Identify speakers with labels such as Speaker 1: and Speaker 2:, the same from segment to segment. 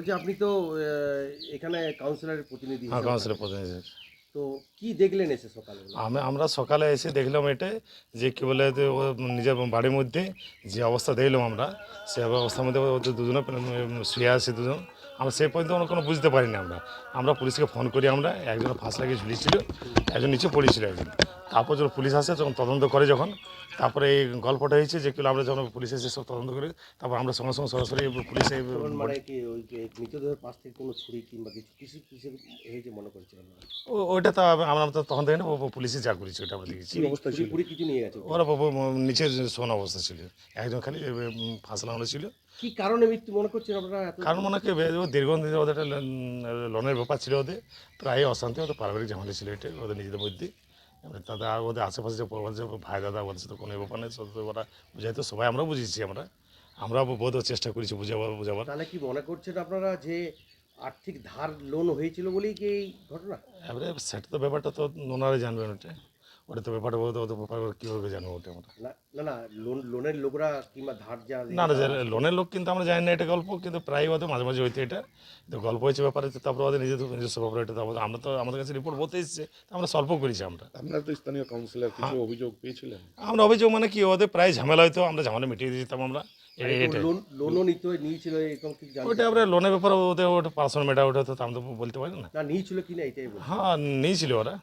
Speaker 1: বলছি আপনি তো এখানে কাউন্সিলরের প্রতিনিধি
Speaker 2: হ্যাঁ,
Speaker 1: হিসেবে
Speaker 2: কাউন্সিলর
Speaker 1: থাকেন।
Speaker 2: প্রতিনিধি।
Speaker 1: তো কি দেখলেন এসে সকালবেলা?
Speaker 2: আমরা সকালে এসে দেখলাম এটাই যে কী বলে যে ও নিজের বাড়ির মধ্যে যে অবস্থা দেখলাম আমরা, সে অবস্থার মধ্যে ওদের দুজনে শুয়ে আছে দুজন। আমরা সেই পর্যন্ত কোনো বুঝতে পারিনি। আমরা পুলিশকে ফোন করি, আমরা একজন ফাঁস লাগিয়ে ঝুলিয়েছিল, একজন নিচে পড়েছিল একজন। তারপর যখন পুলিশ আসে তখন তদন্ত করে, যখন তারপরে এই গল্পটা হয়েছে যে কিলো আমরা যখন পুলিশ এসে সব তদন্ত করি, তারপর আমরা সঙ্গে সঙ্গে সরাসরি পুলিশে
Speaker 1: তখন মানে কি ওই যে মৃতদেহের পাশ থেকে কোনো ছুরি কিংবা কিছু কিসের হয়েছে মনে করছেন আপনারা?
Speaker 2: ওইটা তো আমরা তো তখন দেখি না, পুলিশে যা করেছি ওটা আমরা দেখেছি।
Speaker 1: ছুরি ফুরি কিছু নিয়ে গেছে ওখানে?
Speaker 2: ওরা নিচে শোনা অবস্থা ছিল, একজন খালি ফাঁস লাগানো ছিল।
Speaker 1: কি কারণে মৃত্যু মনে করছেন আপনারা এত?
Speaker 2: কারণ মনে হয় দীর্ঘদিন ধরে ওদের একটা লোনের ব্যাপার ছিল, ওদের প্রায় অশান্তি, ওদের পারিবারিক ঝামেলা ছিল এটা ওদের নিজেদের মধ্যে। এবার তাদের আর ওদের আশেপাশে যে পরিবার, যে ভাই দাদা, ওদের সাথে কোনো ব্যাপার নেই, সব ওরা বুঝাইতো, সবাই আমরা বুঝিয়েছি, আমরা বহুত চেষ্টা করেছি বুঝাবার।
Speaker 1: তাহলে কি মনে করছেন আপনারা যে আর্থিক ধার লোন হয়েছিল বলেই কি এই ঘটনা?
Speaker 2: এবারে সেটা তো ব্যাপারটা তো ওনারাই জানবেন, ওটা তো ব্যাপারটা ওদের ব্যাপার কীভাবে জানবো ওটা আমরা।
Speaker 1: না না না, লোনের লোকরা কিংবা ধার যা
Speaker 2: না না, লোনের লোক কিন্তু আমরা জানি না এটা গল্প, কিন্তু প্রায় ওদের মাঝে মাঝে হইতে এটা তো গল্প হয়েছে ব্যাপারে। তো তারপরে ওদের নিজস্ব ব্যাপার এটা, তারপরে আমরা তো আমাদের কাছে রিপোর্ট বলতে এসেছে, আমরা সল্ভ করেছি।
Speaker 3: আপনারা তো স্থানীয় কাউন্সিলর, কিছু অভিযোগ পেয়েছিলেন?
Speaker 2: আমরা অভিযোগ মানে কি, ওদের প্রায় ঝামেলা হইতো, আমরা ঝামেলা মিটিয়ে দিতাম আমরা। এটাই
Speaker 1: লোনও নিয়েছিল এরকম কি জানেন?
Speaker 2: ওইটা আমরা লোনের ব্যাপারে ওদের ওটা পার্সোনাল ম্যাটার, ওটা তো আমরা তো বলতে পারি না।
Speaker 1: না নিয়েছিল কি না এটাই বলছি।
Speaker 2: হ্যাঁ, নিয়েছিল ওরা।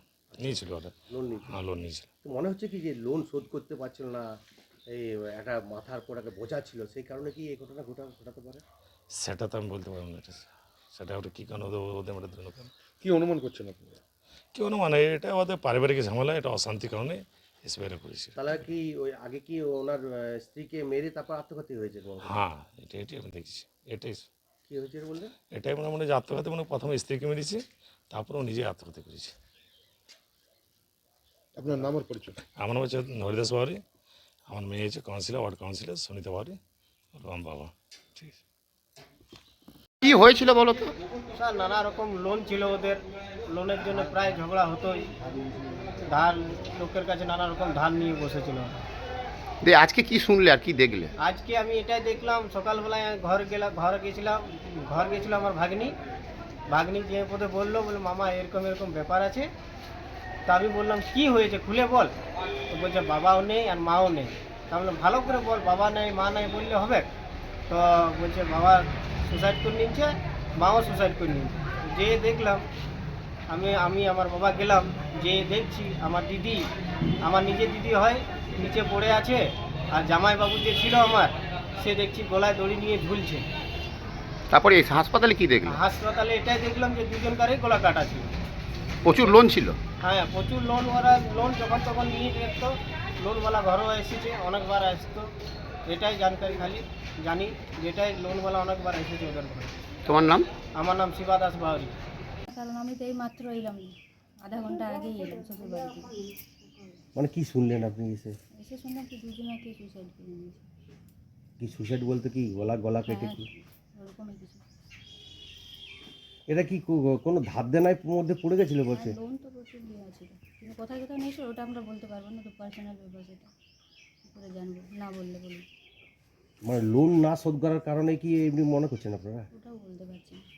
Speaker 1: লোন নিয়েছিল।
Speaker 2: হ্যাঁ, লোন নিয়েছিল।
Speaker 1: তো মনে হচ্ছে কি যে লোন শোধ করতে পারছিল না, এই একটা মাথার পর একটা বোঝা ছিল, সেই কারণে কি এই ঘটনা ঘটাতে পারে?
Speaker 2: সেটা তো আমি বলতে পারবো না এটা, সেটা ওটা কী কারণ ওদের মধ্যে দুজন কারণ
Speaker 3: কি অনুমান করছেন আপনারা?
Speaker 2: কেউ না, মানে এটা ওদের পারিবারিক ঝামেলা, এটা অশান্তি কারণে এসবেরা করেছে।
Speaker 1: তাহলে কি ওই আগে কি ওনার স্ত্রীকে মেরে তারপর আত্মঘাতী হয়েছে মনে হয়?
Speaker 2: হ্যাঁ, এটাই আমি দেখছি, এটাই
Speaker 1: কি হয়েছে বললেন?
Speaker 2: এটাই মনে মনে যে আত্মঘাতী, মানে প্রথমে স্ত্রীকে মেরেছে, তারপরে ও নিজে আত্মঘাতী করেছে।
Speaker 3: আপনার নাম আর পরিচয়?
Speaker 2: আমার নাম হচ্ছে হরিদাস বাউরি, আমার মেয়ে হচ্ছে councillor, ward councillor Sunita Bauri, আর আমার বাবা। ঠিক আছে।
Speaker 4: কি হয়েছিল বলো তো?
Speaker 5: স্যার নানা রকম লোন ছিল ওদের, লোনের জন্য প্রায় ঝগড়া হতোই। ধার লোকের কাছে নানা রকম ধার নিয়ে বসেছিল।
Speaker 4: আজকে কি শুনলে আর কি দেখলে?
Speaker 5: আজকে আমি এটাই দেখলাম, সকালবেলায় ঘরে গেছিলাম আমার ভাগ্নি যে পথে বললো, বলে মামা এরকম এরকম ব্যাপার আছে। তা আমি বললাম কি হয়েছে খুলে বল। তো বলছে বাবাও নেই আর মাও নেই। তা বললাম ভালো করে বল, বাবা নেই মা নেই বললে হবে? তো বলছে বাবা সুসাইড করে নিচ্ছে, মাও সুসাইড করে নিচ্ছে। যে দেখলাম আমি আমার বাবা গেলাম, যে দেখছি আমার দিদি, আমার নিজের দিদি হয়, নিচে পড়ে আছে। আর জামাইবাবু যে ছিল আমার, সে দেখছি গলায় দড়ি নিয়ে ঝুলছে।
Speaker 4: তারপরে এই হাসপাতালে কি দেখলে?
Speaker 5: হাসপাতালে এটাই দেখলাম যে দুজনকারই গলা কাটা ছিল।
Speaker 4: প্রচুর লোন ছিল?
Speaker 5: হ্যাঁ প্রচুর লোন, ওরা লোন যখন তখন নিয়ে দেখতো। লোনওয়ালা ঘরেও এসেছে, অনেকবার আসতো। এটাই জানকারি খালি জানি, যেটাই লোনওয়ালা অনেকবার এসেছে ওদের ঘরে।
Speaker 4: তোমার নাম?
Speaker 5: আমার নাম শিবা দাস বাউরি।
Speaker 6: কারণ আমি তো এই মাত্র এলাম, আধা ঘন্টা আগেই এলাম শ্বশুর বাড়ি থেকে।
Speaker 1: মানে কি শুনলেন আপনি
Speaker 6: এসে শুনলাম কি দুজনাকে সুসাইড করে নিয়েছে।
Speaker 1: কি সুসাইড বলতে কি গলা কেটে কি?
Speaker 6: ওরকমই কিছু।
Speaker 1: এটা কি কোনো ধার দেনার মধ্যে পড়ে গেছিল বলছে?
Speaker 6: লোন তো প্রচুর দেওয়া ছিল, কিন্তু কোথায় কোথায় নিয়েছিল ওটা আমরা বলতে পারবো না, তো পার্সোনাল ব্যাপার, সেটা কী করে জানবো না বললে বলি।
Speaker 1: মানে লোন না শোধ করার কারণে কি এমনি মনে করছেন আপনারা?
Speaker 6: ওটাও বলতে পারছি না।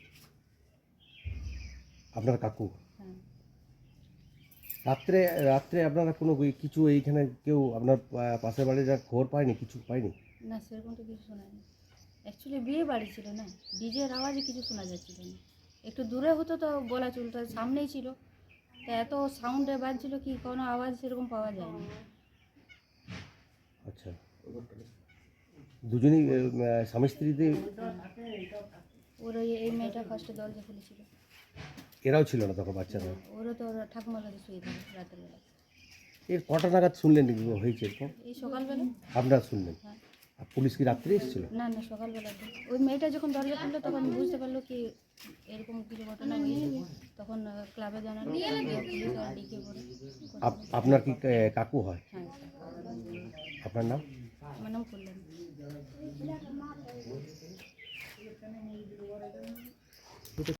Speaker 1: আপনার কাকু
Speaker 6: হ্যাঁ,
Speaker 1: রাত্রে রাত্রে আপনারা কোনো কিছু এইখানে কেউ আপনার পাশের বাড়ির খবর পায়নি, কিছু পায়নি?
Speaker 6: না সেরকম তো কিছু শোনায়নি। অ্যাকচুয়ালি বিয়ে বাড়ি ছিল না, ডিজের আওয়াজে কিছু শোনা যাচ্ছিল না। একটু দূরে হতো তো বলা চলতো, সামনেই ছিল, তা এত সাউন্ডে বাজছিল কি কোনো আওয়াজ সেরকম পাওয়া যায়নি।
Speaker 1: আচ্ছা, দুজনেই স্বামী স্ত্রীতে?
Speaker 6: ওর এই মেয়েটা ফার্স্টে দরজা খুলেছিল।
Speaker 1: এরাও ছিল না তখন বাচ্চারা?
Speaker 6: ওরও তো ঠাকুমার কাছে শুয়ে থাকে রাতের বেলা।
Speaker 1: এর কটা নাগাদ শুনলেন হয়েছে এরকম?
Speaker 6: এই সকালবেলা।
Speaker 1: আপনারা শুনলেন?
Speaker 6: হ্যাঁ।
Speaker 1: আর পুলিশ কি রাত্রে এসেছিল?
Speaker 6: না না, সকালবেলাতে ওই মেয়েটা যখন দরজা খুললো তখন বুঝতে পারলো কি এরকম কিছু ঘটনা হয়েছে। তখন ক্লাবে জানালো, পুলিশ আর ডিকে পড়ে।
Speaker 1: আপনার কি কাকু হয়?
Speaker 6: হ্যাঁ।
Speaker 1: আপনার নাম?
Speaker 6: আমার নাম কল্যাণ।